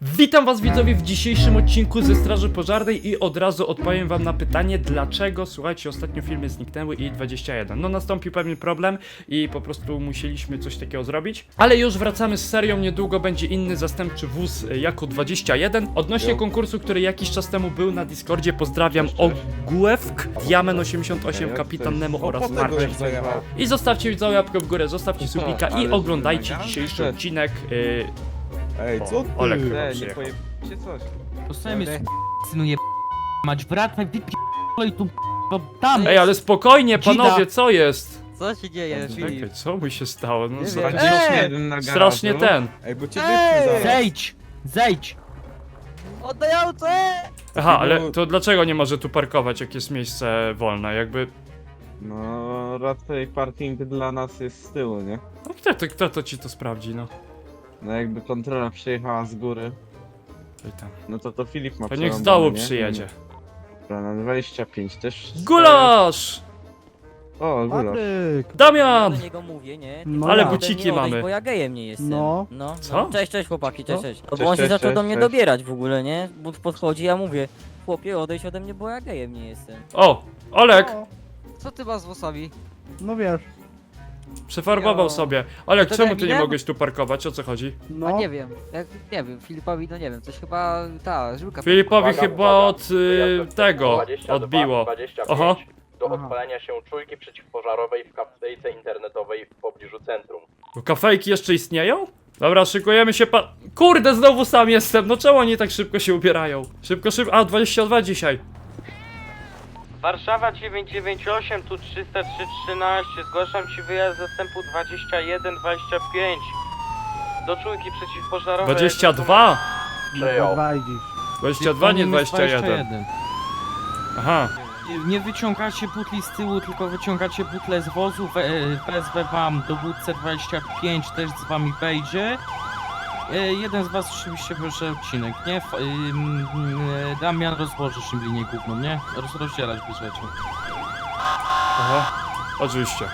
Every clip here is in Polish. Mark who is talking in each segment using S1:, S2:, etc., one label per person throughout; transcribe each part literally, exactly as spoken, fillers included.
S1: Witam was widzowie w dzisiejszym odcinku ze Straży Pożarnej i od razu odpowiem wam na pytanie, dlaczego, słuchajcie, ostatnio filmy zniknęły i dwadzieścia jeden. No nastąpił pewien problem i po prostu musieliśmy coś takiego zrobić. Ale już wracamy z serią, niedługo będzie inny zastępczy wóz jako dwadzieścia jeden. Odnośnie konkursu, który jakiś czas temu był na Discordzie, pozdrawiam Ogłewk, Diamen osiemdziesiąt osiem, Kapitan Nemo oraz Marcin. I zostawcie widzowie łapkę w górę, zostawcie subika i oglądajcie dzisiejszy odcinek. Yy,
S2: Ej, co ty?
S1: Olek chyba
S3: Nie, nie
S1: przyjechał.
S3: pojebcie coś.
S4: Posłuchaj mnie, synu je mać wracaj, wypierdolaj tu bo tam.
S1: Ej, ale spokojnie, panowie, co jest?
S5: Co się dzieje,
S1: Czekaj,
S5: Filip?
S1: co mu się stało? No,
S5: Nie
S1: co-
S5: wiem.
S3: dwadzieścia jeden na
S1: strasznie
S3: garażu.
S1: ten.
S2: Ej, bo cię
S5: Ej!
S2: wypnę zaraz.
S4: Zejdź, zejdź.
S5: Oddaj auto!
S1: Aha, ale to dlaczego nie może tu parkować, jak jest miejsce wolne? Jakby.
S3: No, raczej parking dla nas jest z tyłu, nie?
S1: No kto to, kto to ci to sprawdzi, no?
S3: No jakby kontrola przyjechała z góry,
S1: Oj tam.
S3: no to to Filip ma
S1: To niech z
S3: przerąbane,
S1: dołu
S3: nie?
S1: przyjedzie.
S3: Dobra, na dwadzieścia pięć też.
S1: Gulasz!
S3: O, gulasz.
S6: Patryk!
S1: Damian!
S5: Do niego mówię, nie?
S6: No
S1: Ale
S6: ja.
S1: buci- buciki
S5: Ode mnie odejść,
S1: mamy.
S5: Bo ja gejem nie jestem.
S6: No.
S5: no.
S1: Co?
S5: No. Cześć, cześć chłopaki, cześć,
S6: Co?
S5: cześć. No
S3: Cześć,
S5: bo on się
S3: cześć,
S5: zaczął
S3: cześć,
S5: do mnie
S3: cześć.
S5: dobierać w ogóle, nie? Bo podchodzi, ja mówię, chłopie, odejdź ode mnie, bo ja gejem nie jestem.
S1: O! Olek!
S6: O,
S5: Co ty masz z włosami?
S6: no wiesz,
S1: Przefarbował
S5: Jo.
S1: sobie. Olek,
S7: To
S1: czemu
S7: tak
S1: ty nie
S7: widać?
S1: mogłeś tu parkować? O co chodzi?
S6: no.
S7: A nie wiem, jak, nie wiem, Filipowi, no nie wiem, coś chyba ta żyłka.
S1: Filipowi chyba od y, tego odbiło. Oho.
S8: Do
S6: Aha.
S8: odpalenia się czujki przeciwpożarowej w kafejce internetowej w pobliżu centrum.
S1: Bo kafejki jeszcze istnieją? Dobra, szykujemy się pa... Kurde, znowu sam jestem, no czemu oni tak szybko się ubierają? Szybko, szybko, a dwadzieścia dwa dzisiaj.
S9: Warszawa dziewięć dziewięć osiem, tu trzysta trzy trzynaście, zgłaszam Ci wyjazd zastępu dwadzieścia jeden dwadzieścia pięć do czujki przeciwpożarowej.
S1: dwadzieścia dwa?
S8: Przyjął.
S6: Dwa idziesz.
S1: dwadzieścia dwa, nie dwadzieścia jeden. Aha.
S4: Nie wyciągacie butli z tyłu, tylko wyciągacie butle z wozu. We, wezwę wam dowódcę dwadzieścia pięć, też z wami wejdzie. E, Jeden z was oczywiście bierze odcinek, nie? F, ym, y, Damian rozłoży linię główną, nie? Roz, rozdzielać bierzecie.
S1: Aha. Oczywiście.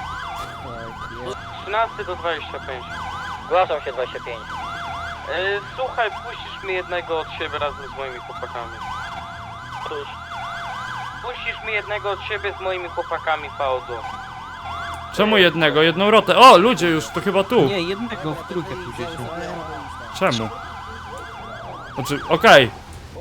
S9: trzynaście do dwudziestu pięciu.
S5: Zgłaszam się dwadzieścia pięć.
S9: E, słuchaj, puścisz mi jednego od siebie razem z moimi chłopakami. Cóż. Puścisz mi jednego od siebie z moimi chłopakami, Faudo.
S1: Czemu jednego? Jedną rotę. O, ludzie już, to chyba tu.
S4: Nie, jednego w trójkę pójdziecie.
S1: Czemu? Znaczy, okej.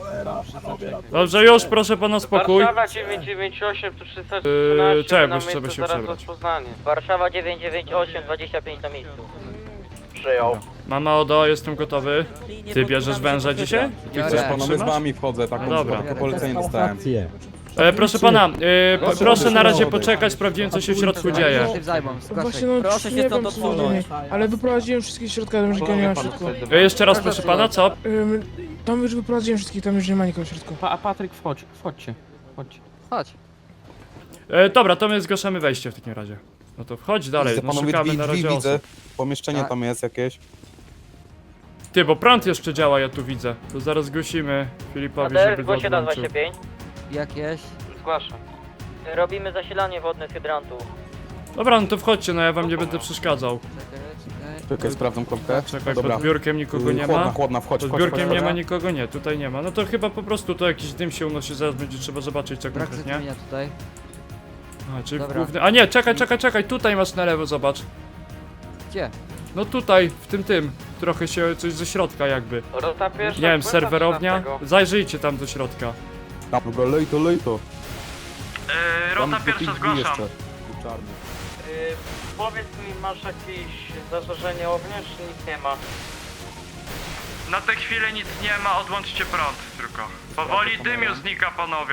S1: Dobrze, już, proszę pana spokój.
S9: Warszawa dziewięć dziewięć osiem, tu trzysta
S1: Yy,
S9: trzynaście,
S1: czekaj,
S9: na
S1: bo trzeba
S9: miejscu
S1: się
S9: zaraz
S1: przebrać.
S9: rozpoznanie.
S5: Warszawa dziewięć dziewięć osiem, dwadzieścia pięć na miejscu.
S8: Przyjął.
S1: Mama Odo, jestem gotowy. Ty bierzesz węża dzisiaj? Ty
S7: Ja
S1: chcesz
S7: nie.
S2: Panowie, z
S1: potrzymać?
S2: wami wchodzę, taką
S1: No dobra.
S2: taką polecenie dostałem.
S1: E, proszę pana, e, proszę na razie poczekać, sprawdziłem co się w środku dzieje.
S7: Tym zajmą,
S10: Właśnie
S7: zgłaszaj.
S10: no,
S5: Proszę się
S10: nie
S5: stąd
S10: wiem, co
S5: odsunąć.
S10: zrobię, ale wyprowadziłem wszystkich z środka, tam już nikogo nie ma w środku.
S1: E, jeszcze raz proszę pana, co?
S10: Ym, tam już wyprowadziłem wszystkich, tam już nie ma nikogo w środku.
S4: Pa, a Patryk, wchodź, wchodźcie. Wchodźcie.
S7: Chodź.
S1: E, dobra, to my zgłaszamy wejście w takim razie. No to wchodź dalej,
S2: Widzę,
S1: no
S2: panowie,
S1: szukamy
S2: drzwi,
S1: na
S2: drzwi
S1: razie
S2: widzę.
S1: osób.
S2: Pomieszczenie
S7: Tak.
S2: tam jest jakieś.
S1: Ty, bo prąd jeszcze działa, ja tu widzę. To zaraz zgłosimy Filipowi, żeby go odłączył.
S5: pięć.
S7: Jakieś.
S9: Zgłaszam.
S5: Robimy zasilanie wodne z hydrantu.
S1: Dobra, no to wchodźcie, no ja wam nie będę przeszkadzał.
S7: Czekaj, czekaj.
S2: Czekaj, sprawdzam kropkę.
S1: Czekaj,
S2: Dobra.
S1: pod biurkiem nikogo
S2: Yy,
S1: nie
S2: Chłodna,
S1: ma.
S2: chłodna, wchodź,
S1: Pod
S2: wchodź,
S1: biurkiem
S2: wchodź,
S1: nie ma
S2: wchodź.
S1: nikogo, nie, tutaj nie ma. No to chyba po prostu to jakiś dym się unosi, zaraz będzie trzeba zobaczyć co
S7: Brak
S1: konkretnie.
S7: zatrudnienia tutaj.
S1: A, czyli
S7: Dobra.
S1: główny... A nie, czekaj, czekaj, czekaj, tutaj masz na lewo, zobacz.
S7: Gdzie?
S1: No tutaj, w tym tym. Trochę się coś ze środka jakby.
S9: Rota pierwsza.
S1: Nie wiem,
S9: zgłaszam
S1: serwerownia?
S9: trzynastego.
S1: Zajrzyjcie tam do środka.
S2: Dobra, lej to, lej to.
S9: Yy,
S2: Tam
S9: rota
S2: do
S9: pierwsza
S2: tych drzwi
S9: zgłaszam.
S2: jeszcze. Czarny.
S9: Yy, powiedz mi, masz jakieś zażarzenie ognia, czy nic nie ma? Na tę chwilę nic nie ma, odłączcie prąd tylko. Powoli dym już znika, panowie.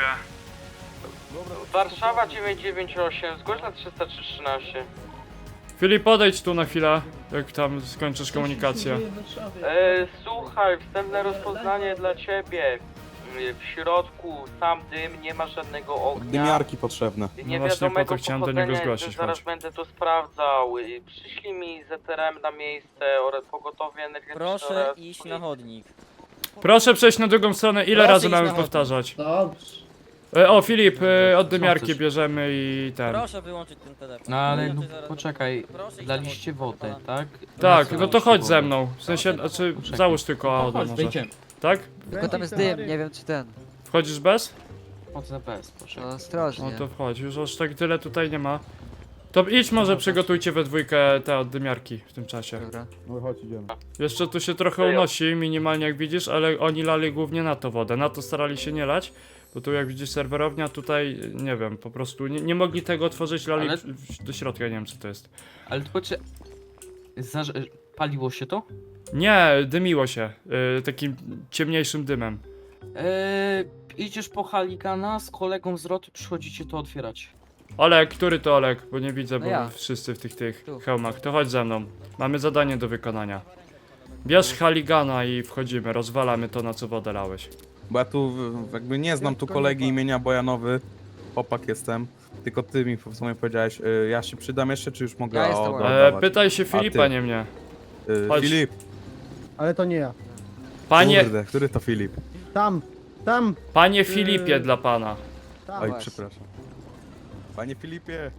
S9: Warszawa dziewięć dziewięć osiem, zgłoś na trzysta trzy trzynaście.
S1: Filip, podejdź tu na chwilę, jak tam skończysz komunikację.
S9: Yy, słuchaj, wstępne rozpoznanie dla ciebie. Yy, w środku sam dym, nie ma żadnego ognia.
S2: Dymiarki potrzebne.
S9: Nie
S1: No właśnie po
S9: wiadomego
S1: to chciałem do niego
S9: pochodzenia,
S1: zgłosić,
S9: zaraz
S1: chodź.
S9: będę to sprawdzał. Yy, Przyślij mi Z T R M na miejsce oraz pogotowie energetyczne
S5: Proszę
S9: oraz
S5: iść na chodnik.
S1: Proszę przejść na drugą stronę, ile
S5: Proszę
S1: razy
S5: iść
S1: mamy
S5: na chodnik.
S1: powtarzać?
S10: Dobrze.
S1: E, o, Filip, e, od dymiarki
S4: chcesz?
S1: bierzemy i ten.
S5: Proszę wyłączyć ten telefon.
S4: No ale no,
S5: Wyłączę zaraz.
S4: poczekaj,
S5: Proszę iść
S4: daliście
S5: na
S4: wodę,
S5: wodę.
S4: tak?
S1: Tak,
S4: Na
S1: no
S4: co
S1: to chodź
S4: daliście
S1: ze
S4: wodę?
S1: mną. W sensie, znaczy,
S4: Poczekaj.
S1: załóż tylko auto
S4: Chodź,
S1: może.
S4: wejdziemy.
S1: Tak?
S7: Tylko tam jest dym, nie wiem czy ten.
S1: Wchodzisz bez?
S4: Chodzę bez, proszę.
S7: No
S1: No
S7: ostrożnie.
S1: to wchodź, już aż tak tyle tutaj nie ma. To idź może przygotujcie we dwójkę te od dymiarki w tym czasie.
S7: Dobra.
S2: No chodź, idziemy.
S1: Jeszcze tu się trochę unosi, minimalnie jak widzisz, ale oni lali głównie na to wodę. Na to starali się nie lać, bo tu jak widzisz serwerownia, tutaj nie wiem, po prostu nie, nie mogli tego otworzyć, lali
S4: Ale-
S1: w- w- do środka, nie wiem co to jest.
S4: Ale tylko czy... Zaż... Paliło się to?
S1: Nie, dymiło się, y, takim ciemniejszym dymem.
S4: Eee, idziesz po Haligana z kolegą z roty, przychodzicie to otwierać.
S1: Olek, który to Olek? Bo nie widzę,
S7: No
S1: bo
S7: ja.
S1: wszyscy w tych tych
S7: Tu.
S1: hełmach. To chodź ze mną. Mamy zadanie do wykonania. Bierz Haligana i wchodzimy, rozwalamy to, na co wodę lałeś.
S2: Bo ja tu w- jakby nie znam tu kolegi imienia Bojanowy. Chłopak jestem. Tylko ty mi w sumie powiedziałeś, y, ja się przydam jeszcze, czy już mogę
S7: Ja jestem
S2: od-
S7: Bojan.
S1: E,
S2: oddawać?
S1: pytaj się
S2: A
S1: Filipa,
S2: ty?
S1: nie mnie.
S2: Y,
S1: chodź.
S2: Filip,
S6: Ale to nie ja.
S1: Panie,
S2: kurde, który to Filip?
S6: Tam, tam,
S1: panie Filipie dla pana.
S6: tam.
S2: Oj,
S7: właśnie.
S2: przepraszam. Panie Filipie.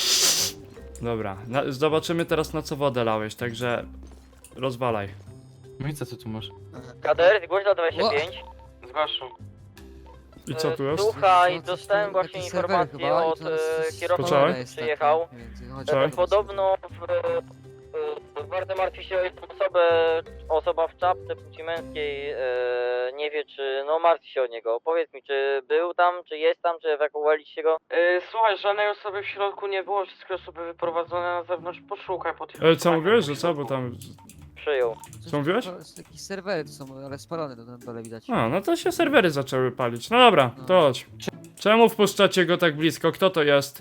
S1: Dobra, na, zobaczymy teraz na co wodę lałeś, także rozwalaj.
S4: No i co ty tu masz?
S5: Kader, głośno dwadzieścia pięć.
S9: Zgłaszam.
S1: I co tu jest?
S5: Słuchaj,
S7: No, coś
S5: dostałem
S7: tu-
S5: właśnie
S7: jakiś serwer
S5: informację
S7: chyba i
S5: od
S7: to jest-
S5: e, kierowcy,
S1: Poczekaj.
S5: który przyjechał.
S7: Mniej więcej, chodź,
S1: Tak.
S5: E,
S7: chodź.
S5: Podobno w, e, e, bardzo martwi się o jedną osobę, osoba w czapce płci męskiej, e, nie wie czy, no martwi się o niego. Powiedz mi, czy był tam, czy jest tam, czy ewakuowaliście go?
S9: Yy, słuchaj, żadnej osoby w środku nie było, wszystkie osoby wyprowadzone na zewnątrz, poszukaj po tych
S1: E, co
S9: osobach
S1: mówiłeś,
S9: w
S1: że co, bo
S9: środku.
S1: tam...
S5: Przyjął.
S7: Coś
S1: Co mówiłeś?
S7: to jest Jakieś serwery to są, ale spalone to na dole widać.
S1: A, no to się serwery zaczęły palić. No dobra, to chodź. Czemu wpuszczacie go tak blisko? Kto to jest?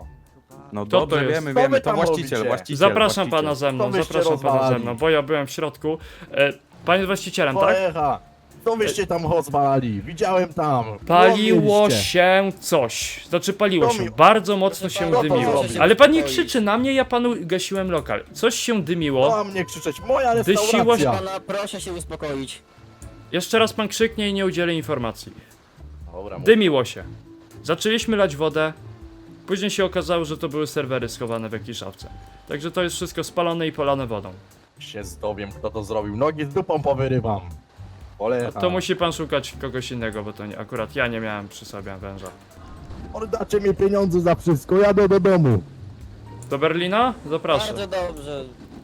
S2: No
S1: to
S2: dobrze,
S1: jest?
S2: wiemy,
S11: Co
S2: wiemy,
S11: wy
S2: to
S11: tam
S2: właściciel,
S11: robicie?
S2: właściciel.
S1: Zapraszam
S2: właściciel.
S1: pana ze mną,
S11: Co wyście
S1: zapraszam pana ze
S11: rozwalali?
S1: mną, bo ja byłem w środku. E, pan jest właścicielem, tak?
S11: Poecha! Co wyście tam rozwalali? Widziałem tam.
S1: Paliło
S11: Łomiliście.
S1: się coś. Znaczy paliło
S11: To
S1: się,
S11: mi-
S1: bardzo mocno się
S11: pana,
S1: dymiło.
S11: proszę się
S1: Ale pan nie
S5: uspokoić.
S1: krzyczy na mnie, ja panu gasiłem lokal. Coś się dymiło.
S11: Na mnie krzyczeć, moja
S1: Dysiło się-
S11: restauracja.
S5: Pana, proszę się uspokoić.
S1: Jeszcze raz pan krzyknie i nie udzielę informacji.
S11: Dobra, mów.
S1: Dymiło się. Zaczęliśmy lać wodę. Później się okazało, że to były serwery schowane w jakiejś szafce. Także to jest wszystko spalone i polane wodą.
S11: się zdowiem, kto to zrobił. Nogi z dupą powyrywam. Polecha.
S1: To musi pan szukać kogoś innego, bo to nie, akurat ja nie miałem przy sobie węża.
S11: Oddacie mi pieniądze za wszystko, jadę do domu.
S1: Do Berlina? Zapraszam.
S5: dobrze.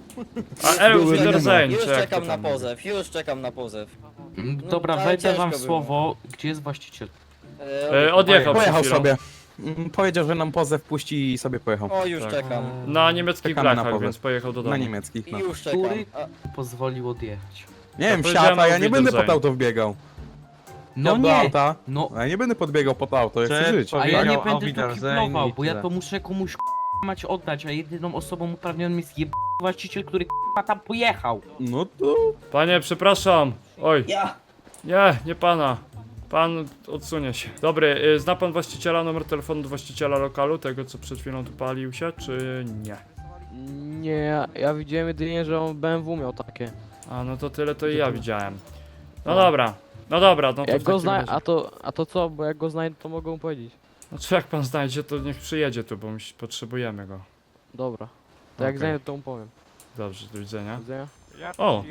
S1: A Elf
S11: Były
S1: Wiedersehen,
S5: Już
S1: czy jak to
S5: czekam na
S1: tam mówi?
S5: pozew, już czekam na pozew.
S4: Mm,
S5: No,
S4: Dobra,
S5: ale
S4: wejdę
S5: ciężko
S4: wam
S5: było.
S4: słowo, gdzie jest właściciel?
S1: E, odjechał przed
S2: Pojechał
S1: chwilą.
S2: sobie. Mm, Powiedział, że nam pozew puści i sobie pojechał.
S5: O, już
S1: Tak.
S5: czekam.
S1: Na niemieckich
S2: Czekamy na
S1: blachach,
S2: powrót.
S1: więc pojechał do domu.
S2: Na niemieckich, no.
S5: Już czekam.
S4: Który
S5: A,
S4: pozwolił odjechać?
S2: Nie wiem,
S1: powiedziałem
S2: siata, ja
S1: o
S2: nie będę pod
S1: Wiedersehen.
S2: auto wbiegał.
S4: No
S2: Ja do
S4: nie!
S2: auta,
S4: No,
S2: a ja nie będę podbiegał pod auto, ja chcę
S3: Czy
S2: żyć.
S4: a ja nie
S3: Powiedział
S4: będę
S3: o
S4: tu
S3: Wiedersehen
S4: kiplował,
S3: i
S4: bo ja
S3: tyle.
S4: to muszę komuś k***a mać oddać, a jedyną osobą uprawnioną jest jeb... właściciel, który k***a tam pojechał.
S2: No to...
S1: Panie, przepraszam. Oj. Ja. Nie, nie pana. Pan odsunie się. Dobry, y, zna pan właściciela, numer telefonu do właściciela lokalu, tego co przed chwilą tu palił się, czy nie?
S6: Nie, ja, ja widziałem jedynie, że on B M W miał takie.
S1: A no to tyle to i ja widziałem. No dobra, no dobra, no to
S6: Jak
S1: w
S6: go
S1: takim
S6: zna,
S1: razie-
S6: a to, a to co, bo jak go znajdę, to mogę mu powiedzieć.
S1: Znaczy jak pan znajdzie, to niech przyjedzie tu, bo musi, potrzebujemy go.
S6: Dobra. To jak
S1: Okej.
S6: znajdę, to mu powiem.
S1: Dobrze, do widzenia.
S6: Do widzenia.
S1: O!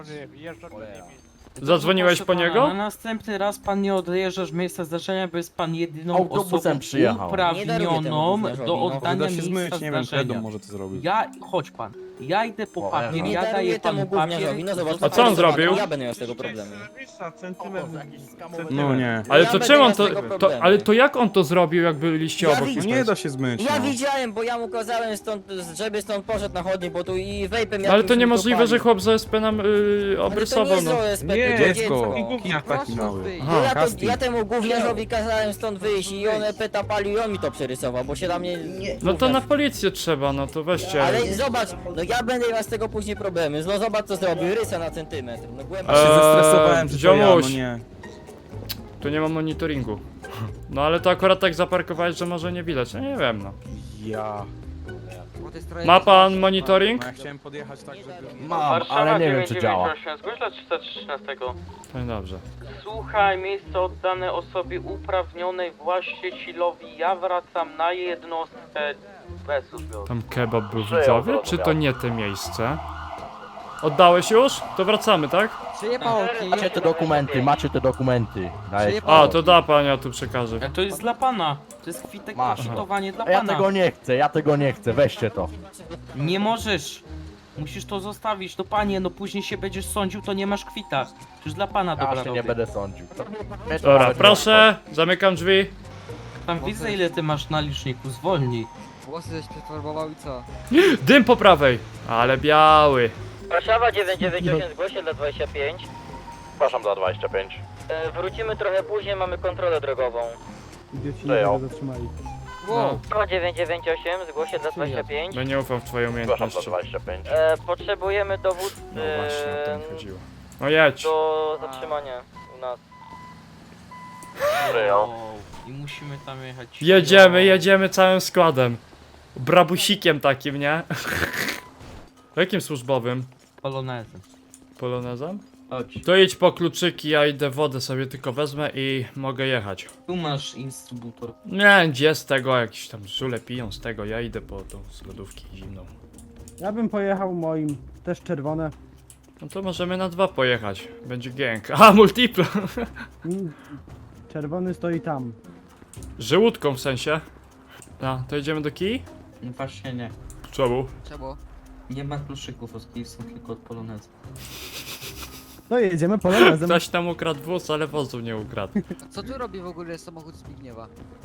S1: Zadzwoniłeś po
S4: Proszę pana,
S1: niego?
S4: Na następny raz pan nie odjeżdża z miejsca zdarzenia, bo jest pan jedyną
S11: Autobusem
S4: osobą
S11: przyjechał.
S5: Nie daruję temu
S4: uprawnioną
S5: gówniarzowi,
S4: do
S5: no.
S4: oddania
S2: Da się
S4: miejsca
S2: zmyć, nie wiem,
S4: zdarzenia.
S2: Kredą może to zrobić.
S4: Ja, chodź pan, ja idę po
S11: O,
S4: papier,
S5: Nie
S4: ja
S5: daruję
S4: daję
S5: temu
S4: panu papier.
S5: gówniarzowi, no zobacz.
S1: A co on zrobił?
S5: Ja będę miał z tego problemu.
S3: Centymetr.
S2: No nie.
S1: Ale
S5: Ja
S1: to
S5: będę
S1: czemu
S5: miał
S1: on
S5: z
S1: to,
S5: tego
S1: to...
S5: problemu.
S1: Ale to jak on to zrobił, jak byliście
S5: Ja
S1: obok?
S5: widzę-
S2: Nie da się zmyć,
S5: Ja
S2: no.
S5: widziałem, bo ja mu kazałem stąd, żeby stąd poszedł na chodnik, bo tu i vapem
S1: No, ale
S5: jakimś
S1: to
S5: mi
S1: niemożliwe,
S5: palił.
S1: że chłop z O S P nam yy,
S5: Ale
S1: obrysował,
S5: to nie
S1: no.
S5: jest O S P,
S3: Nie,
S5: to
S2: dziecko.
S3: Gówniarz taki mały.
S5: Bo ja, to,
S2: casting.
S5: ja temu gówniarzowi kazałem stąd wyjść i on peta palił i on mi to przerysował, bo się na mnie...
S1: No to na policję trzeba, no to weźcie.
S5: Ale zobacz, no ja będę miał z tego później problemy. No zobacz co zrobił, rysa na centymetr. No głęboko.
S2: Się
S1: Eee,
S2: zestresowałem, że to ja, no
S1: ziomuś.
S2: nie.
S1: Tu nie ma monitoringu. No ale to akurat tak zaparkowałeś, że może nie widać, no nie wiem, no.
S2: Ja.
S7: bo to jest trochę...
S1: Ma pan monitoring?
S2: No ja chciałem podjechać tak, żeby...
S11: Mam, ale nie wiem czy działa.
S9: Zgłoś dla trzysta trzynaście.
S1: No dobrze.
S9: Słuchaj, miejsce oddane osobie uprawnionej właścicielowi. Ja wracam na jednostkę bez odbioru.
S1: Tam kebab był
S8: Przyjął,
S1: widzowy, czy to nie te miejsce? Oddałeś już? To wracamy, tak?
S7: Czyje pałki?
S11: Macie te dokumenty, macie te dokumenty. Dajcie.
S1: A, to da pan, ja tu przekażę.
S4: Ale to jest dla pana. To jest kwitek
S11: Masz.
S4: pokwitowanie dla
S11: A ja
S4: pana.
S11: tego nie chcę, ja tego nie chcę, weźcie to.
S4: Nie możesz. Musisz to zostawić. No panie, no później się będziesz sądził, to nie masz kwita. Przecież dla pana
S11: Ja
S4: dobra
S11: się nie
S4: robię.
S11: będę sądził.
S1: Dobra, proszę, zamykam drzwi.
S4: Tam widzę ile ty masz na liczniku, zwolnij.
S7: Włosy żeś przefarbował i co?
S1: Dym po prawej, ale biały.
S5: Warszawa dziewięćset dziewięćdziesiąt osiem, zgłoście dla dwadzieścia pięć.
S8: Zgłaszam za dwadzieścia pięć.
S5: E, wrócimy trochę później, mamy kontrolę drogową.
S8: Przyjął.
S7: Wow.
S5: Warszawa dziewięćset dziewięćdziesiąt osiem, zgłoście dla dwadzieścia pięć.
S1: No nie ufam w twoje
S8: Zgłaszam za
S1: umiejętności.
S8: dwadzieścia pięć.
S5: E, potrzebujemy dowódcy
S1: No właśnie, o to mi chodziło. No jedź.
S5: do zatrzymania u nas.
S8: Przyjął.
S4: Wow. I musimy tam jechać.
S1: Jedziemy, jedziemy całym składem. Brabusikiem takim, nie? Jakim służbowym?
S4: Polonezem.
S1: Polonezem?
S4: Chodź.
S1: To idź po kluczyki, ja idę wodę sobie tylko wezmę i mogę jechać.
S4: Tu masz instruktor.
S1: Nie, gdzie z tego, jakieś tam żule piją z tego, ja idę po tą z lodówki zimną.
S6: Ja bym pojechał moim, też czerwone.
S1: No to możemy na dwa pojechać, będzie gang. A, multipla!
S6: Mm, Czerwony stoi tam.
S1: Żółtką w sensie. No, to idziemy do kij?
S4: No właśnie nie.
S1: Czemu?
S7: Czemu?
S4: Nie ma kluczyków, od kij są tylko od polonezu.
S6: To jedziemy polonezem.
S1: Ktoś tam ukradł wóz, ale wozu nie ukradł.
S7: A co tu robi w ogóle samochód Zbigniewa?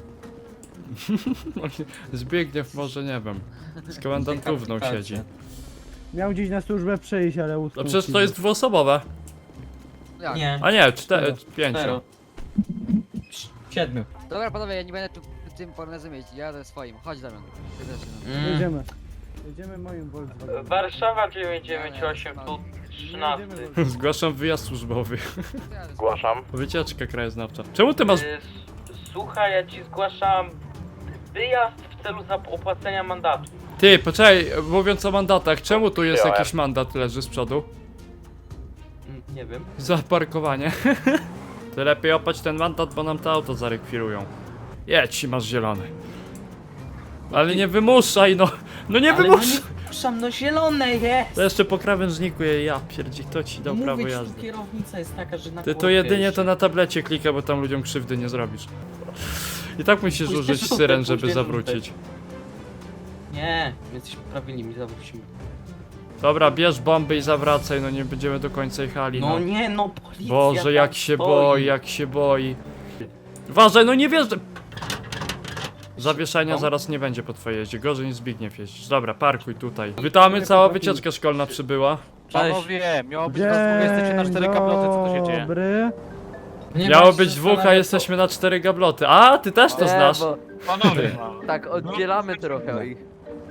S1: Zbigniew może, nie wiem, z komendantówną siedzi.
S6: Miał gdzieś na służbę przyjść, ale
S1: No
S6: utknął.
S1: przecież to jest dwuosobowe.
S7: Jak?
S4: Nie.
S1: A nie, cztery, pięcio.
S4: Cztero. Siedmiu.
S7: Dobra panowie, ja nie będę tu tym polonezem jeździć, ja jadę swoim. Chodź Damian. Jedziemy.
S4: Mm.
S6: Jedziemy. Jedziemy moim Volkswagenem.
S9: Warszawa dziewięćset dziewięćdziesiąt osiem, tu trzynaście.
S1: Zgłaszam wyjazd służbowy.
S8: Zgłaszam.
S1: Wycieczka krajoznawcza. Czemu ty masz...
S9: Y, s- Słuchaj, ja ci zgłaszam wyjazd w celu zap- opłacenia mandatu.
S1: Ty, poczekaj, mówiąc o mandatach, czemu tu jest
S8: Przyjąłem.
S1: jakiś mandat leży z przodu?
S4: Mm, Nie wiem.
S1: Za parkowanie. Ty lepiej opać ten mandat, bo nam to auto zarekwirują. Jedź, masz zielony. Ale nie wymuszaj, no! No nie
S4: Ale
S1: wymuszaj!
S4: no nie puszczam, no zielone jest!
S1: To jeszcze po krawężniku je, ja pierdzi, kto ci dał prawo
S4: Mówię ci,
S1: jazdy?
S4: tu kierownica jest taka, że na
S1: Ty to
S4: kłopie
S1: jedynie
S4: jeszcze.
S1: to na tablecie klika, bo tam ludziom krzywdy nie zrobisz. I tak musisz
S4: Pójdź
S1: użyć
S4: też
S1: syren,
S4: żółte,
S1: żeby
S4: pójdź
S1: zawrócić.
S4: Nie, jesteśmy prawilnymi, zawrócimy.
S1: Dobra, bierz bomby i zawracaj, no nie będziemy do końca jechali,
S4: No
S1: no.
S4: nie, no policja
S1: Boże,
S4: tam
S1: jak się
S4: stoi.
S1: boi, jak się boi. Uważaj, no nie wjeżdżaj! Zawieszenia
S4: No.
S1: zaraz nie będzie po twojej jeździe, gorzej niż Zbigniew jeździć. Dobra, parkuj tutaj. Witamy, cała wycieczka szkolna przybyła.
S6: Panowie, miało być na jesteście na cztery kabloty, co tu się dzieje? Dobry.
S4: Nie
S1: Miało
S4: martw się,
S1: być dwóch, a
S4: zastanawiam-
S1: jesteśmy na cztery gabloty. A, ty też to znasz.
S6: Panowie.
S7: Tak, oddzielamy trochę ich.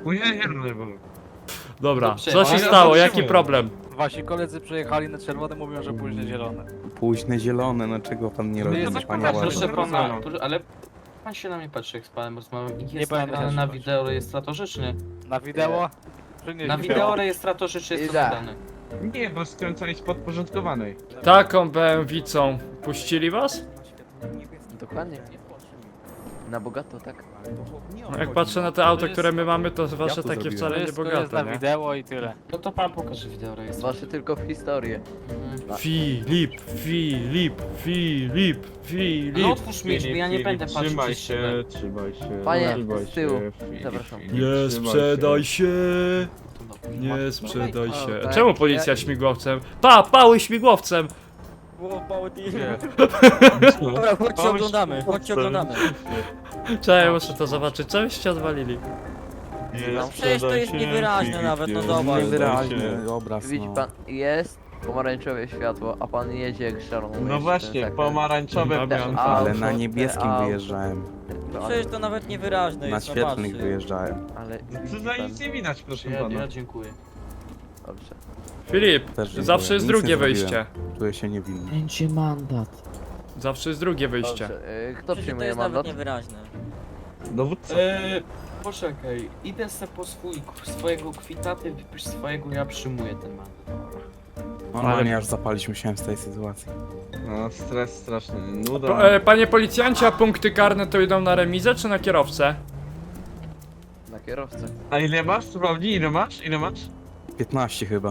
S1: Dobra,
S4: Dobrze,
S1: co się
S4: ale
S1: stało, jaki
S6: zatrzymaj.
S1: problem?
S6: Wasi koledzy przejechali na czerwone, mówią, że później zielone.
S2: Późne zielone, no czego pan nie robi,
S6: jesteśmy
S2: panie
S6: bardzo
S2: Ładny?
S4: Proszę
S6: Proszę
S4: pana,
S6: pana.
S4: proszę, ale pan się na mnie patrzy, jak z panem rozmawiam. Ich
S6: Nie
S4: jest
S6: będę
S4: nagrane
S6: się
S4: na
S6: patrzył.
S4: wideo rejestratorze, czy nie?
S6: Na wideo? Czy nie?
S4: Na wideo rejestratorze, czy jest to
S7: Idę.
S4: nagrane?
S3: Nie, bo skręcali z podporządkowanej.
S1: Taką B M W-cą puścili was?
S7: Dokładnie. Na bogato, tak?
S1: Jak patrzę na te auto, które my mamy, to wasze
S2: to
S1: takie
S2: zrobiłem.
S1: wcale nie bogate, nie?
S6: wideo i tyle.
S4: No to pan pokaże wideo rejestratorze.
S7: Wasze tylko w historię.
S4: Mhm.
S1: Filip, Filip, Filip,
S4: No
S1: Filip.
S4: otwórz mi drzwi, ja nie będę patrzył
S3: Trzymaj
S4: przez szybę.
S3: się, trzymaj się.
S7: Panie,
S3: trzymaj
S7: z tyłu.
S3: się, Filip,
S7: Zapraszam.
S3: Filip,
S1: Nie
S3: trzymaj
S1: sprzedaj się,
S4: To no,
S1: nie
S4: masz-
S1: sprzedaj
S7: O,
S1: się.
S7: tak,
S1: Czemu policja
S7: ja-
S1: śmigłowcem? Pa, pały śmigłowcem!
S7: Dobra, chodźcie oglądamy, chodźcie oglądamy.
S1: Czekaj, muszę to zobaczyć, co byście odwalili?
S3: Nie
S7: przecież to jest niewyraźne nawet, no dobra.
S2: Niewyraźny obraz,
S7: Widzi
S2: no.
S7: pan, jest pomarańczowe światło, a pan jedzie jak szalony.
S3: No właśnie, pomarańczowe
S1: Damian.
S3: też.
S2: Ale
S7: Auto,
S2: na
S7: te
S2: niebieskim
S7: auto.
S2: wyjeżdżałem.
S7: Przecież to nawet niewyraźne
S2: Na świetlnych wyjeżdżałem.
S7: Ale
S3: Co za nic nie widać, proszę
S4: Ja,
S3: pana.
S4: ja dziękuję.
S7: dobrze.
S1: Filip,
S2: Też dziękuję.
S1: zawsze jest
S2: Nic
S1: drugie
S2: nie zrobiłem.
S1: wyjście.
S2: Czuję się niewinny.
S4: Będzie mandat.
S1: Zawsze jest drugie wyjście.
S7: Dobrze. y, Kto przyjmuje mandat?
S10: niewyraźne.
S3: Dowódca.
S4: Eee, poczekaj, idę se po swój, swojego kwita, ty wypisz swojego, ja przyjmuję ten mandat.
S2: Normalnie aż zapalić musiałem z tej sytuacji.
S3: No, stres straszny, nuda.
S1: Po, e, panie policjancie, a punkty karne to idą na remizę czy na kierowcę?
S6: Na kierowcę.
S3: A ile masz? Sprawdzi, ile masz? Ile masz?
S2: piętnaście chyba.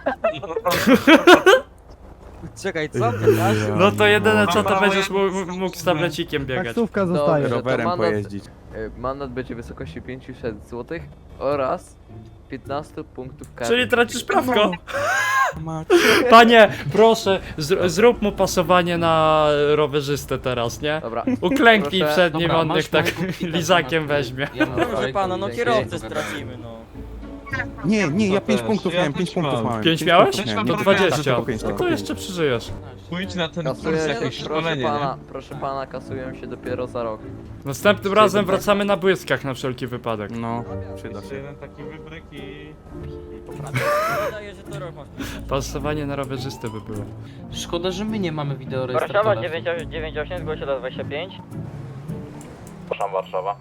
S7: Czekaj, co ty masz?
S1: No to jedyne co to
S3: Mama,
S1: będziesz
S3: moja-
S1: mógł, mógł z tablecikiem biegać.
S6: Taksówka
S7: zostaje.
S2: Rowerem pojeździć.
S6: Mandat będzie w wysokości pięćset złotych oraz piętnaście punktów kary.
S1: Czyli tracisz prawko.
S2: Ma-
S1: Panie, proszę, zr- zrób mu pasowanie na rowerzystę teraz, nie?
S6: Dobra.
S1: Uklęknij
S6: Proszę.
S1: przed nim,
S4: Dobra,
S1: on
S4: masz
S1: niech tak
S4: mojego kwita,
S1: lizakiem
S4: masz-
S1: weźmie.
S4: Ja mam
S6: Proszę
S4: swojego
S6: pana, no
S4: i-
S6: kierowcę
S4: i-
S6: stracimy, no.
S2: Nie, nie, ja
S3: To
S2: pięć
S3: też,
S2: punktów
S3: ja
S2: miałem,
S3: też
S2: pięć punktów
S3: mam.
S2: miałem.
S1: Pięć miałeś?
S2: punktów
S3: No
S2: miałem.
S1: To
S3: to
S1: dwadzieścia.
S2: Tylko pięć,
S1: No
S2: tylko
S1: to
S2: pięć.
S1: jeszcze przeżyjesz.
S3: Pójdź na ten kurs,
S6: Kasuję,
S3: jakieś
S6: proszę
S3: szkolenie,
S6: pana,
S3: nie?
S6: proszę pana, kasuję się dopiero za rok.
S1: Następnym razem wracamy na błyskach na wszelki wypadek.
S2: No, przyda
S3: Jeszcze
S2: się.
S3: jeden taki wybryk i...
S6: Wydaje, że to rok masz.
S1: Pasowanie na rowerzystę by było.
S4: Szkoda, że my nie mamy
S5: Warszawa
S4: wideorejestratora.
S5: dziewięć osiem, zgłosie do dwadzieścia pięć.
S8: Przepraszam, Warszawa.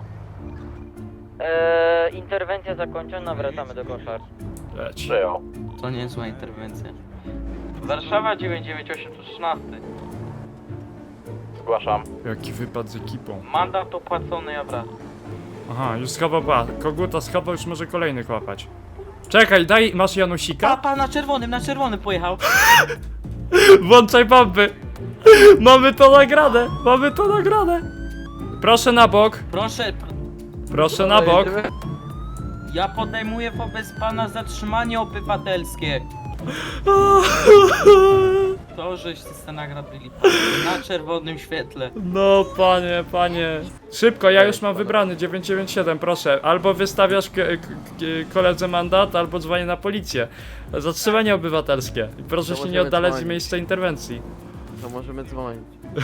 S5: Eee, interwencja zakończona, wracamy do koszar.
S1: Leć.
S8: Przyjął.
S4: To niezła interwencja.
S9: Warszawa dziewięć dziewięć osiem to trzynaście.
S8: Zgłaszam.
S1: Jaki wypad z ekipą.
S9: Mandat opłacony, ja wracam.
S1: Aha, już schował, ba, koguta schował, już może kolejny kłapać. Czekaj, daj, masz Janusika?
S4: Papa na czerwonym, na czerwonym pojechał.
S1: Włączaj bomby! Mamy to nagrane! Mamy to nagrane! Proszę na bok,
S4: Proszę, pr
S1: proszę na bok.
S4: ja podejmuję wobec pana zatrzymanie obywatelskie. To, żeście se nagrabili na czerwonym świetle.
S1: No panie, panie. Szybko, ja już mam wybrany dziewięć dziewięć siedem, proszę. Albo wystawiasz k- k- k- koledze mandat, albo dzwonię na policję. Zatrzymanie obywatelskie. I proszę
S6: To
S1: się nie
S6: możemy
S1: oddalać z
S6: dzwonić.
S1: miejsca interwencji.
S6: To możemy dzwonić.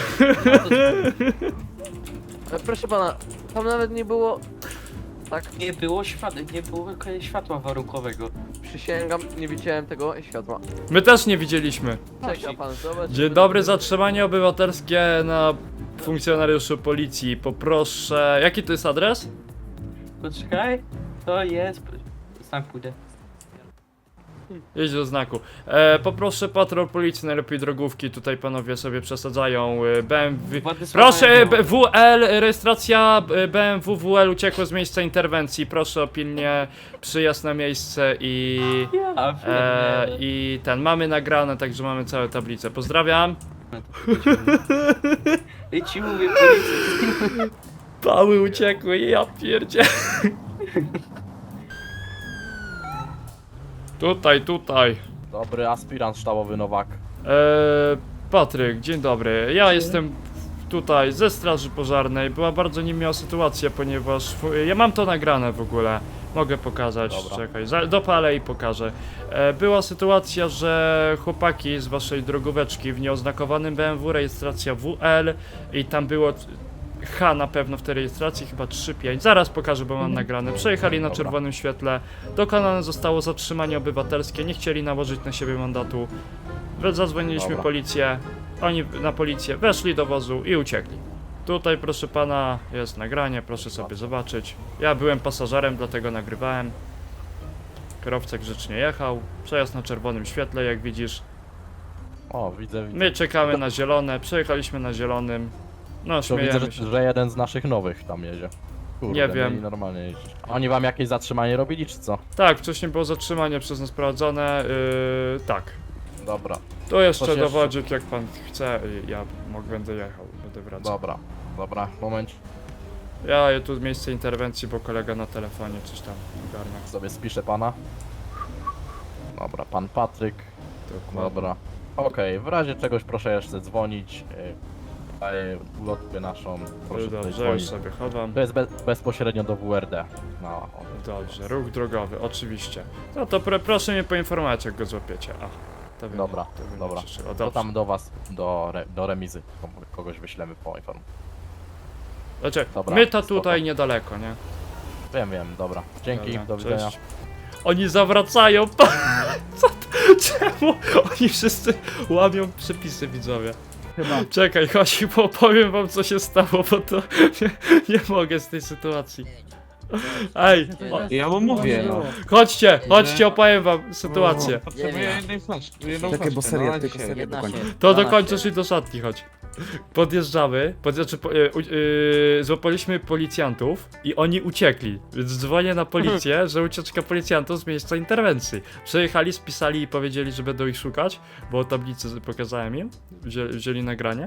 S6: E, Proszę pana, tam nawet nie było... Tak,
S4: Nie było światła, nie było światła warunkowego.
S6: przysięgam, nie widziałem tego światła.
S1: My też nie widzieliśmy.
S6: Czeka pan, zobacz.
S1: Dzień dobry, zatrzymanie obywatelskie na funkcjonariuszu policji. Poproszę. Jaki to jest adres?
S4: Poczekaj, to jest... Sam pójdę.
S1: Jedź do znaku. E, poproszę patrol policji, najlepiej drogówki. Tutaj panowie sobie przesadzają. e, B M W.
S4: Władysława
S1: Proszę,
S4: Janowa.
S1: B- W L, rejestracja e, B M W W L uciekło z miejsca interwencji. Proszę o pilnie przyjazd na miejsce i.
S4: A,
S1: E,
S4: e,
S1: I ten, mamy nagrane, także mamy całe tablice. Pozdrawiam.
S4: I ci mówię policji.
S1: Pały uciekły, ja pierdzie. Tutaj, tutaj.
S11: Dobry aspirant sztabowy Nowak.
S1: Eee, Patryk, dzień dobry. Ja jestem tutaj ze straży pożarnej. Była bardzo niemiła sytuacja, ponieważ w- ja mam to nagrane w ogóle. Mogę pokazać,
S11: Dobra.
S1: czekaj, za- dopalę i pokażę. E, była sytuacja, że chłopaki z waszej drogóweczki w nieoznakowanym B M W, rejestracja W L i tam było H na pewno w tej rejestracji, chyba trzy pięć. Zaraz pokażę, bo mam nagrane. Przejechali na
S11: Dobra.
S1: czerwonym świetle. Dokonane zostało zatrzymanie obywatelskie. Nie chcieli nałożyć na siebie mandatu. We- Zadzwoniliśmy
S11: Dobra.
S1: policję. Oni na policję weszli do wozu i uciekli. Tutaj, proszę pana, jest nagranie, proszę sobie zobaczyć. Ja byłem pasażerem, dlatego nagrywałem. Kierowca grzecznie jechał. Przejazd na czerwonym świetle, jak widzisz.
S11: O, widzę, widzę.
S1: My czekamy na zielone, przejechaliśmy na zielonym. No,
S11: To widzę,
S1: śmiejemy
S11: że,
S1: się.
S11: że jeden z naszych nowych tam jedzie. Kurde,
S1: Nie wiem.
S11: mieli normalnie jeździć. Oni wam jakieś zatrzymanie robili, czy co?
S1: Tak, wcześniej było zatrzymanie przez nas prowadzone. Yy, tak.
S11: Dobra,
S1: To jeszcze
S11: Coś jeszcze?
S1: dowodzik, jak pan chce. i Ja mogę, będę jechał, będę wracał.
S11: dobra, dobra, moment.
S1: Ja je tu miejsce interwencji, bo kolega na telefonie coś tam ogarnia.
S11: Sobie spiszę pana. Dobra, pan Patryk.
S1: Dokładnie.
S11: Dobra. Okej, w razie czegoś proszę jeszcze dzwonić. yy, Daję ulotkę naszą. Proszę tutaj
S1: Dobrze, już
S11: dzwonić.
S1: sobie chowam.
S11: To jest be bezpośrednio do W R D. No, o,
S1: Dobrze, ruch drogowy, oczywiście. No to pr proszę mnie poinformować, jak go złapiecie. A, to wy
S11: Dobra,
S1: mnie, to wy mnie
S11: dobra.
S1: cieszy. O,
S11: to
S1: dobrze.
S11: tam do was, do, re do remizy. Kogoś wyślemy po informacji.
S1: Znaczy,
S11: Dobra,
S1: my to
S11: spoko.
S1: tutaj niedaleko, nie?
S11: Wiem, wiem, dobra. Dzięki,
S1: Dobra,
S11: do widzenia.
S1: cześć. Oni zawracają. Co to? Czemu? Oni wszyscy łamią przepisy, widzowie.
S10: Chyba.
S1: Czekaj, chodź, bo powiem wam, co się stało, bo to nie, nie mogę z tej sytuacji. Ej, o,
S3: Ja mu mówię, no.
S1: chodźcie, chodźcie, opowiem wam sytuację.
S3: Potrzebuję jednej flaszki, jedną
S2: Czekaj, bo
S3: flaszkę,
S2: seria,
S3: no,
S2: tylko
S3: dzisiaj.
S2: serię dokończę.
S1: To dokończysz i do szatni chodź. Podjeżdżamy, pod, znaczy, po, e, u, e, złapaliśmy policjantów i oni uciekli, więc dzwonię na policję, że ucieczka policjantów z miejsca interwencji. Przejechali, spisali i powiedzieli, że będą ich szukać, bo tablicy pokazałem im, wzięli, wzięli nagranie.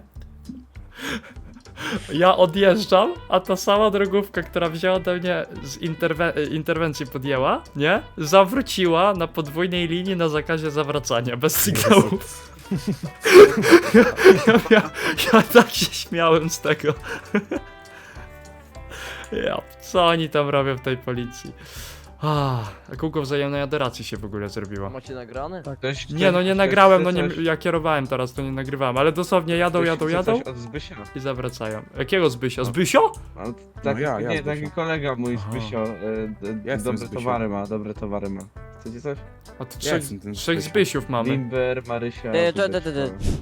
S1: Ja odjeżdżam, a ta sama drogówka, która wzięła ode mnie z interwe interwencji podjęła, nie? Zawróciła na podwójnej linii na zakazie zawracania, bez sygnału. ja, ja, ja, ja tak się śmiałem z tego. Ja, co oni tam robią w tej policji? Ah, a kółko wzajemnej adoracji się w ogóle zrobiło.
S6: Macie nagrane?
S3: Ktoś-
S1: Nie, no nie
S3: ktoś
S1: nagrałem, no
S3: chce
S1: nie,
S3: coś-
S1: ja kierowałem teraz, to nie nagrywałem, ale dosłownie jadą,
S3: ktoś
S1: jadą,
S3: chce
S1: jadą
S3: coś od Zbysia?
S1: i zawracają. Jakiego Zbysio? Zbysio?
S3: No, tak,
S2: ja, ja
S3: nie,
S2: Zbysio.
S3: taki kolega mój
S1: Aha.
S3: Zbysio, y, d-
S2: Ja jestem
S3: dobre
S2: Zbysio.
S3: towary ma, dobre towary ma. Chcecie coś?
S1: A tu
S2: Ja
S1: trzech,
S2: jestem ten
S1: trzech
S2: Zbysio.
S1: Zbysiów mamy.
S3: Limber, Marysia...
S7: Ty,
S3: tutaj
S7: ty, ty, ty, ty.
S3: wszystko.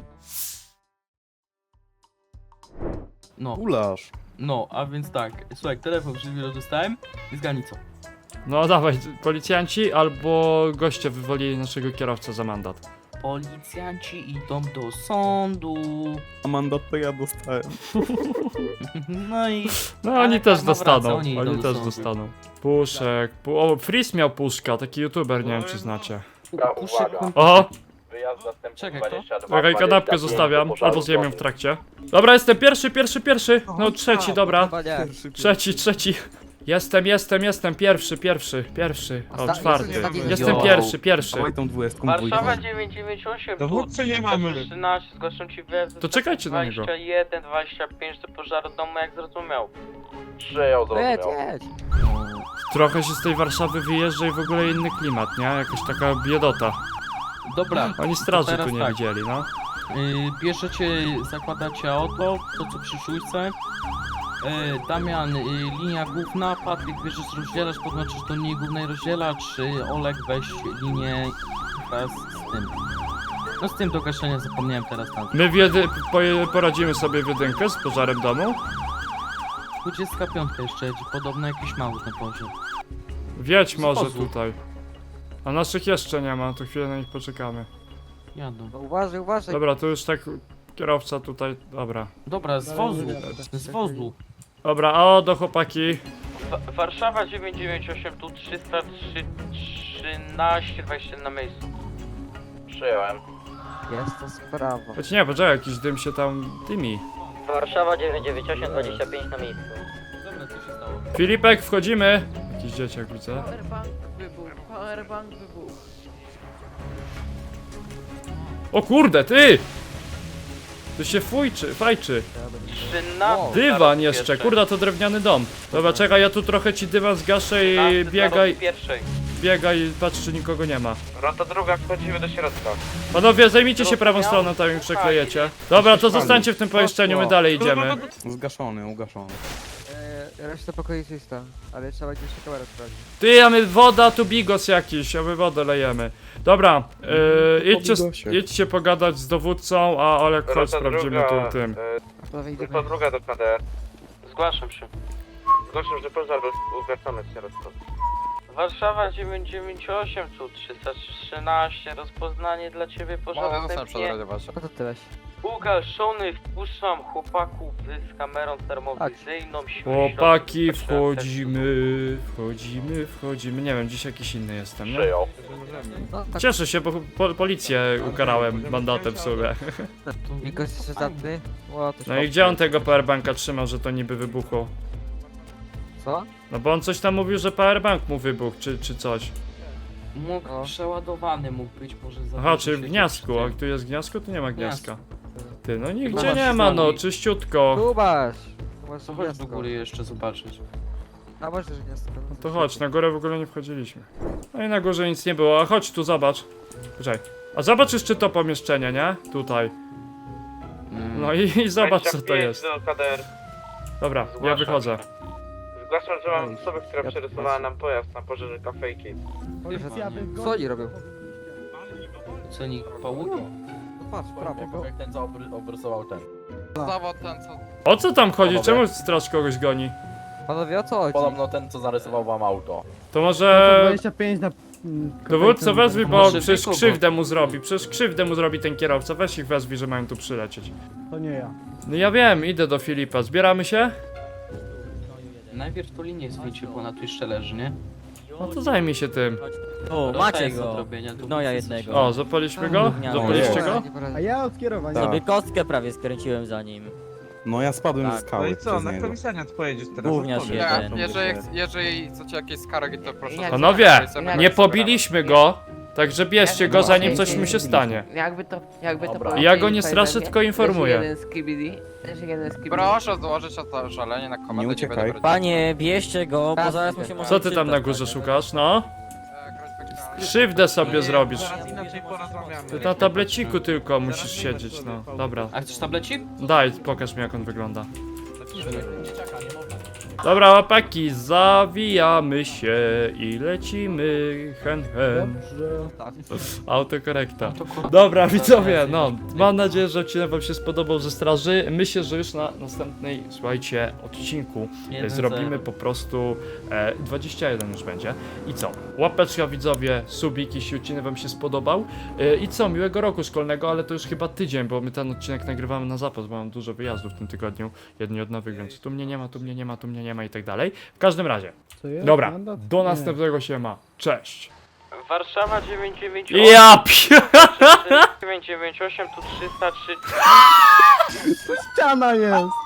S4: No,
S2: Ulasz.
S4: no, a więc tak, słuchaj, telefon przed chwilą dostałem i zgadnij co.
S1: No dawaj, policjanci albo goście wywolili naszego kierowcę za mandat.
S4: Policjanci idą do sądu.
S2: A mandat to ja dostałem.
S4: No i
S1: No
S4: Ale
S1: oni też
S4: karma
S1: dostaną,
S4: wraca, oni
S1: oni,
S4: idą do
S1: też
S4: sądu.
S1: dostaną. Puszek, pu o, Freeze miał puszka, taki youtuber, nie wiem czy znacie.
S4: puszek
S1: O,
S8: Wyjazd zastępczy
S4: Czekaj, kto?
S8: dwadzieścia dwa,
S1: czekaj, kanapkę
S8: dwadzieścia pięć
S1: zostawiam,
S8: do pożaru
S1: albo zjem ją w
S8: zgłoszonych.
S1: trakcie. Dobra, jestem pierwszy, pierwszy, pierwszy, no trzeci, dobra.
S7: Chyba nie.
S1: Trzeci, trzeci. Jestem, jestem, jestem, pierwszy, pierwszy, pierwszy. O,
S7: Osta-
S1: czwarty.
S7: ostatni-
S1: Jestem
S4: Yo.
S1: pierwszy, pierwszy.
S2: Dawaj tą dwudziestką
S9: Warszawa
S2: dwójką.
S9: dziewięć dziewięć osiem,
S3: Dowódcy nie mamy.
S9: trzynaście, zgłaszam ci wyjazd
S1: To czekajcie na niego.
S9: dwadzieścia jeden, dwadzieścia pięć do pożaru domu, jak zrozumiał.
S8: Przyjął,
S7: Jedź,
S8: zrozumiał.
S7: jedź.
S1: Trochę się z tej Warszawy wyjeżdża i w ogóle inny klimat, nie? Jakaś taka biedota.
S4: Dobra,
S1: Oni straży
S4: teraz
S1: tu nie
S4: tak.
S1: widzieli, no.
S4: Yy, bierzecie, zakładacie auto, to co przy szóstce. Yy, Damian, yy, linia główna, Patryk bierzesz rozdzielacz, podłączysz do linii głównej rozdzielacz, yy, Olek weź linię wraz z tym. No z tym do gaszenia zapomniałem teraz na
S1: My w jedy poje- poradzimy sobie w jedynkę z pożarem domu.
S4: dwudziestka piątka jeszcze jedzie, podobno jakiś mały na pożar.
S1: Wiedź może
S4: wozu.
S1: tutaj. A naszych jeszcze nie ma, to chwilę na nich poczekamy.
S4: Jadą.
S7: No uważaj, uważaj.
S1: Dobra, to już tak kierowca tutaj, dobra.
S4: Dobra, z wozu, z wozu.
S1: Dobra, a o do chłopaki.
S9: Wa- Warszawa dziewięć dziewięć osiem, tu trzysta trzynaście, dwadzieścia na miejscu.
S8: Przyjąłem.
S7: Jest to sprawa.
S1: Choć nie, poczekaj, jakiś dym się tam dymi.
S5: Warszawa dziewięć dziewięć osiem, dwadzieścia pięć na miejscu.
S4: Dobra, co się stało?
S1: Filipek, wchodzimy. Jakiś dzieciak widzę.
S6: Powerbank wybuch, powerbank wybuch.
S1: O kurde, ty! Tu się fujczy, fajczy.
S9: trzynaście.
S1: Dywan jeszcze, kurde, to drewniany dom. Dobra, czekaj, ja tu trochę ci dywan zgaszę i biegaj,
S9: Pierwszej.
S1: biegaj, patrz czy nikogo nie ma.
S3: Rota druga, wchodzimy do środka.
S1: Panowie, zajmijcie się prawą stroną, tam im przeklejecie. Dobra, to zostańcie w tym pomieszczeniu, my dalej idziemy.
S2: Zgaszony, ugaszony.
S7: E, reszta pokoi czysta, ale trzeba gdzieś kamerę sprawdzić.
S1: Ty, a my woda, tu bigos jakiś, a my wodę lejemy. Dobra, yy, idźcie,
S2: bigosie.
S1: idźcie pogadać z dowódcą, a Olek, chodź, sprawdzimy tu tym.
S7: Prawie idę.
S3: Rota druga do K D R.
S9: Zgłaszam się.
S3: Zgłaszam, że pożar ugaszony w środku.
S9: Warszawa dziewięć dziewięć osiem, tu trzysta trzynaście, rozpoznanie dla ciebie pożaru wstępnie.
S7: No to tyle.
S9: Ugaszony, wpuszczam chłopaków z kamerą termowizyjną.
S1: Chłopaki, wchodzimy, wchodzimy, wchodzimy. Nie wiem, dziś jakiś inny jestem, nie?
S8: Przyjął.
S7: No tak,
S1: Cieszę się, bo po, policję ukarałem mandatem w sumie.
S7: Nikos jeszcze zatny. O, to
S1: No i gdzie on tego powerbanka trzymał, że to niby wybuchło?
S7: Co?
S1: No bo on coś tam mówił, że powerbank mu wybuchł, czy, czy coś.
S4: Mógł
S7: O.
S4: przeładowany mógł być, może za
S1: Aha,
S4: dużo
S1: czyli w
S4: się
S1: gniazdku, a
S4: wciął.
S1: tu jest gniazdko, tu nie ma gniazdka. Ty, no
S4: Chyba
S1: nigdzie
S4: masz
S1: nie ma, no,
S4: sami.
S1: czyściutko.
S7: Kubasz! Masz
S4: To chodź do góry jeszcze zobaczyć.
S7: A może też gniazdko.
S1: No to chodź, na górę w ogóle nie wchodziliśmy. No i na górze nic nie było, a chodź tu, zobacz. Poczekaj. A zobacz jeszcze to pomieszczenie, nie? Tutaj. No i, i zobacz co to jest.
S3: do K D R.
S1: Dobra, ja wychodzę.
S3: Zgłaszam, że mam osobę, która
S7: Ja
S3: przerysowała nam pojazd na pożarze kafejki.
S7: Co oni robią?
S4: Co nikt połuki?
S7: No patrz, prawo.
S11: Jak ten co obry- obrysował ten.
S6: Zawod ten co...
S1: O co tam chodzi? Czemu straż kogoś goni?
S7: Panowie, o co chodzi?
S11: Podobno ten, co zarysował wam auto.
S1: To może...
S3: dwadzieścia pięć na...
S1: Dowódco wezwij, bo
S4: Może
S1: przecież
S4: wykupu.
S1: krzywdę mu zrobi, przecież krzywdę mu zrobi ten kierowca, weź ich wezwij, że mają tu przylecieć.
S3: To nie ja.
S1: No ja wiem, idę do Filipa, zbieramy się?
S4: Najpierw to linię zdjęcie, bo ona tu jeszcze leży, nie?
S1: No to zajmij się tym.
S12: O,
S4: To
S12: macie
S4: jest do
S12: go.
S4: zrobienia, tu
S12: No ja
S4: nic
S12: jednego.
S1: O, zapaliśmy go?
S12: Gówniany.
S1: Zapaliście
S2: O,
S1: go?
S7: Nie poradzę.
S3: ja od kierowania.
S12: Sobie kostkę prawie skręciłem za nim.
S2: No ja spadłem
S12: Tak.
S2: ze skały
S3: No i co,
S2: przez
S3: na
S2: niego.
S3: komisariat pojedziesz teraz?
S12: Gówniarz
S3: odpowiedz.
S12: jeden.
S8: Jeżeli, jeżeli chcecie jakieś skargi, to proszę...
S1: Panowie, nie pobiliśmy go, także bierzcie go zanim coś mu się stanie.
S6: Jakby to, jakby to
S11: Dobra.
S1: Ja go nie straszę, tylko informuję.
S6: Jeden z K B D, też jeden z K B D.
S8: Proszę złożyć o to żalenie na komendę,
S2: Nie
S8: nie
S2: uciekaj.
S8: będę brać-
S12: Panie, bierzcie go, bo zaraz mu się może
S1: Co ty tam na
S12: przytać,
S1: górze
S12: panie.
S1: szukasz, no?
S8: E, groźby karalne.
S1: Krzywdę sobie zrobisz.
S3: Zaraz inaczej porozmawiamy.
S1: Ty na tableciku tylko musisz siedzieć, no. Dobra,
S4: A chcesz tablecik?
S1: daj, pokaż mi jak on wygląda. Dobra, łapaki, zawijamy się i lecimy, hen hen. Autokorekta. Dobra, widzowie, no, mam nadzieję, że odcinek wam się spodobał ze straży. Myślę, że już na następnej, słuchajcie, odcinku e,
S4: Jeden
S1: zrobimy
S4: zero.
S1: po prostu e, dwadzieścia jeden już będzie. I co? Łapeczka, widzowie, subik, jeśli odcinek wam się spodobał. E, I co? Miłego roku szkolnego, ale to już chyba tydzień, bo my ten odcinek nagrywamy na zapas, bo mam dużo wyjazdów w tym tygodniu, jedni od nowych, więc tu mnie nie ma, tu mnie nie ma, tu mnie nie ma i tak dalej. W każdym razie, dobra, do następnego się ma. Cześć.
S9: Warszawa dziewięć dziewięć
S1: Ja pie...
S9: dziewięć dziewięć osiem, tu trzysta trzy.
S3: Ściana jest!